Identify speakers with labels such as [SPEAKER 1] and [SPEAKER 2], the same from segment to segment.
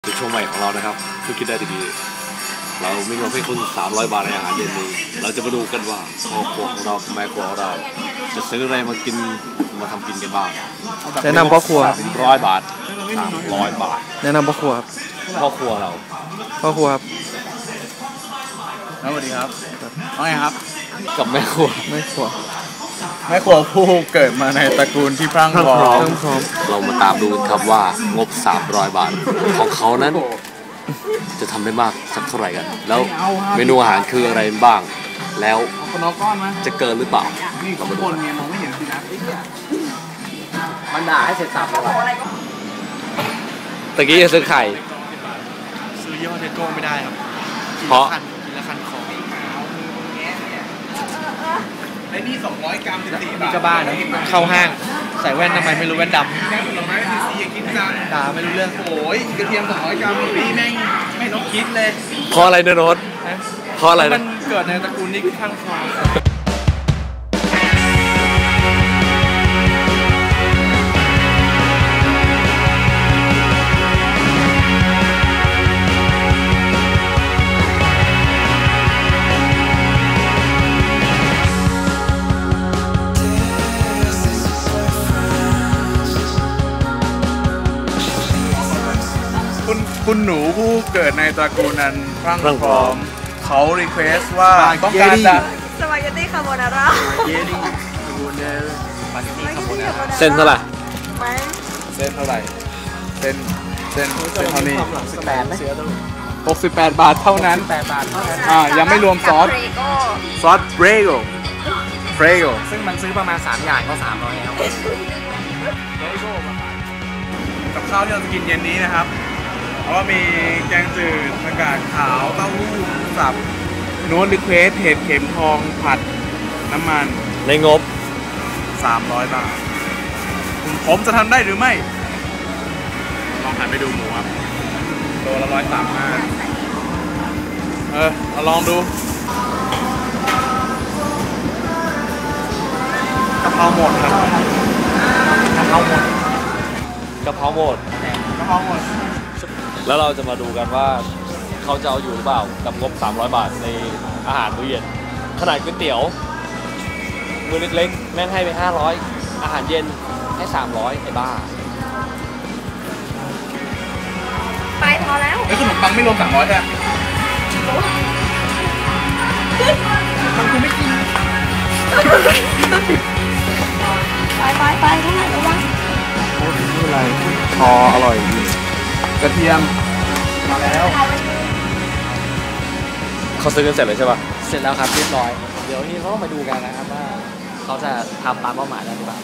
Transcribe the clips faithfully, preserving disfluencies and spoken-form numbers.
[SPEAKER 1] เป็นโชว์ใหม่ของเรานะครับเพิ่งคิดได้ดีๆเรามีเงินให้คุณสามร้อยบาทในอาหารเย็นนี้เราจะมาดูกันว่าพ่อครัวของเราแม่ครัวของเราจะซื้ออะไรมากินมาทำกินกันบ้าง
[SPEAKER 2] แนะนำพ่อครัว
[SPEAKER 1] ร้อยบาทสามร้อยบาท
[SPEAKER 2] แนะนำพ่อครัวครับ
[SPEAKER 1] พ่อครัวเรา
[SPEAKER 2] พ่อครัวครับ
[SPEAKER 3] สวัสดีครับว่าไงครับ
[SPEAKER 1] กับแม่ครัว
[SPEAKER 2] แม่ครัว
[SPEAKER 3] แม่ครัวผู้เกิดมาในตระกูลที่พรั่งพร้อม
[SPEAKER 1] เรามาตามดูกันครับว่างบสามร้อยบาทของเขานั้นจะทำได้มากสักเท่าไหร่กันแล้วเมนูอาหารคืออะไรบ้างแล้วจะเกินหรือเปล่าเรามาดู
[SPEAKER 3] มันด่าให้เสร็จสับเลย
[SPEAKER 1] ตะกี้จะซื้อไข่
[SPEAKER 2] ซื้อยี่ห้อเทโก้ไม่ได้ครับ
[SPEAKER 1] เพราะ
[SPEAKER 2] กินแล้วคันคอ
[SPEAKER 3] ไอ้นี่สองร้อยกรัมสิบสี่บาท
[SPEAKER 2] นี่ก็บ้านะเข้าห้างใส่แว่นทำไมไม่รู้แว่นดำ
[SPEAKER 3] แค่ผลไม้สีสีกินจัง
[SPEAKER 2] ด่าไม่รู้เรื่อง
[SPEAKER 3] โอ้ยกระเทียมสองร้อยกรัมพี่แม่งไม่ต้องคิดเลย
[SPEAKER 1] เพราะอะไรเนรถเพราะอะไร
[SPEAKER 2] มันเกิดในตระกูลนี้ข้างคอ
[SPEAKER 3] คุณหนูผู้เกิดในตระกูลนั้นพรั่งพร้อมเขารีเควสว่าต้องการจะ
[SPEAKER 4] สปาเกตตี้คาโบนาร่า
[SPEAKER 3] เยลี่คาโบนาร่าสปาเกตตี้คาโบนาร่า
[SPEAKER 1] เส้นเท่าไหร่
[SPEAKER 3] เส้นเท่าไหร่เส้นเส้นเส้นเท่านี้หกสิบแปดบาทเท่านั้น
[SPEAKER 2] แปดบาทเท่านั้น
[SPEAKER 3] อ่ายังไม่รวมซอสซอสเบรโกเบรโก
[SPEAKER 2] ซึ่งมันซื้อประมาณสามอย่างก็สามร้อยแล้ว
[SPEAKER 3] กับข้าวที่เราจะกินเย็นนี้นะครับเพราะว่ามีแกงจืดผักกาดขาวเต้าหู้สับโน้ตรีเควสเห็ดเข็มทองผัดน้ำมัน
[SPEAKER 1] ในงบ
[SPEAKER 3] สามร้อยบาทผมจะทำได้หรือไม่ลองหันไปดูหมูครับโลละร้อยสามห้าเออเราลองดูกะเพราหมดครับ
[SPEAKER 2] กะเพราหมด
[SPEAKER 1] กะเพราหมด
[SPEAKER 3] กะเพราหมด
[SPEAKER 1] แล้วเราจะมาดูกันว่าเขาจะเอาอยู่หรือเปล่ากับงบสามร้อยบาทในอาหารมื้อเย็นขนาดก๋วยเตี๋ยวมื้อเล็กๆแม่งให้ไปห้าร้อยอาหารเย็นให้สามร้อยไอ้บ้า
[SPEAKER 4] ไปพอแล้ว
[SPEAKER 3] ไอ้ขนมปังไม่รวมสามร้อยใช่ไหมมันกูไม่กิน
[SPEAKER 4] ไปไปไปเท่าไหร่ระวัง
[SPEAKER 3] โอ้ยไม่เป็นไรพออร่อยดีกระเทียมมาแล้ว
[SPEAKER 1] เขาซื้อกันเสร็จเลยใช่ป่ะ
[SPEAKER 2] เสร็จแล้วครับเรียบร้อยเดี๋ยวนี้เขามาดูกันนะครับว่าเขาจะทำตามเป้าหมายได้หรือเปล่า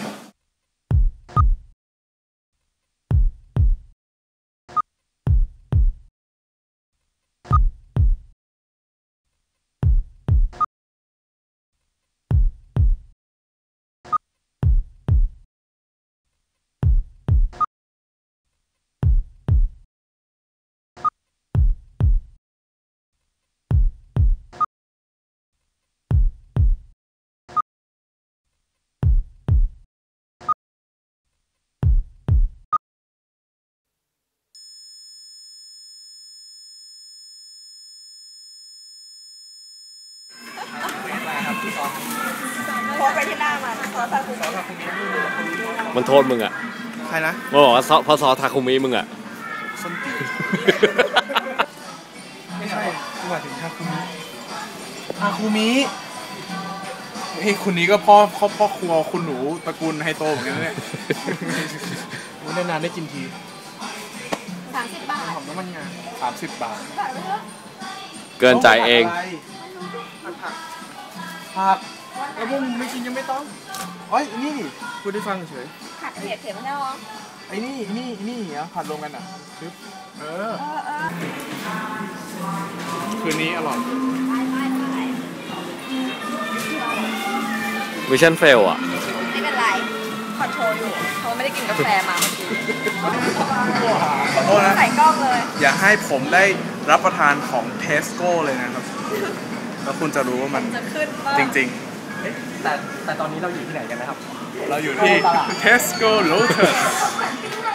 [SPEAKER 4] โพสไปที่หน้ามันซอสทาคุมิ
[SPEAKER 1] มันโทษมึงอ่ะ
[SPEAKER 3] ใครนะ
[SPEAKER 1] มันบอกว่าพอซอสทาคุมิมึงอ่ะ
[SPEAKER 3] ไม่ใช่กูหมายถึงทาคุมิทาคุมิเฮ้ยคนนี้ก็พ่อพ่อพ่อครัวคุณหนูตระกูลไฮโซเหมือนกันเนี่ยนานๆได้กินที
[SPEAKER 4] สามสิบบาท
[SPEAKER 3] หอมน้ำมันงาสามสิบบาท
[SPEAKER 1] เกินใจเอง
[SPEAKER 3] ผักแล้วพวกมึงไม่กินยังไม่ต้องเอ้ยนี่พูดได้ฟังเฉย
[SPEAKER 4] ผัดเผ็ดเผ็ดมันได้หรอ
[SPEAKER 3] ไอ้นี่นี่นี่เหรอผัดรวมกันอ่ะคือเออคืนนี้อร่อย
[SPEAKER 1] มิชชั่นเฟลอ่ะ
[SPEAKER 4] ไม่เป็นไรคอนโทรลอยู่เขาไม่ได้กินกาแฟมาเมื่อกี้
[SPEAKER 3] ขอโทษนะ
[SPEAKER 4] ใส่กล้องเลย
[SPEAKER 3] อย่าให้ผมได้รับประทานของเทสโก้เลยนะครับแล้วคุณจะรู้ว่ามันจริงๆ
[SPEAKER 2] แต่แต่ตอนนี้เราอยู่ที่ไหนกันนะครับ
[SPEAKER 3] เราอยู่ที่ Tesco Lotus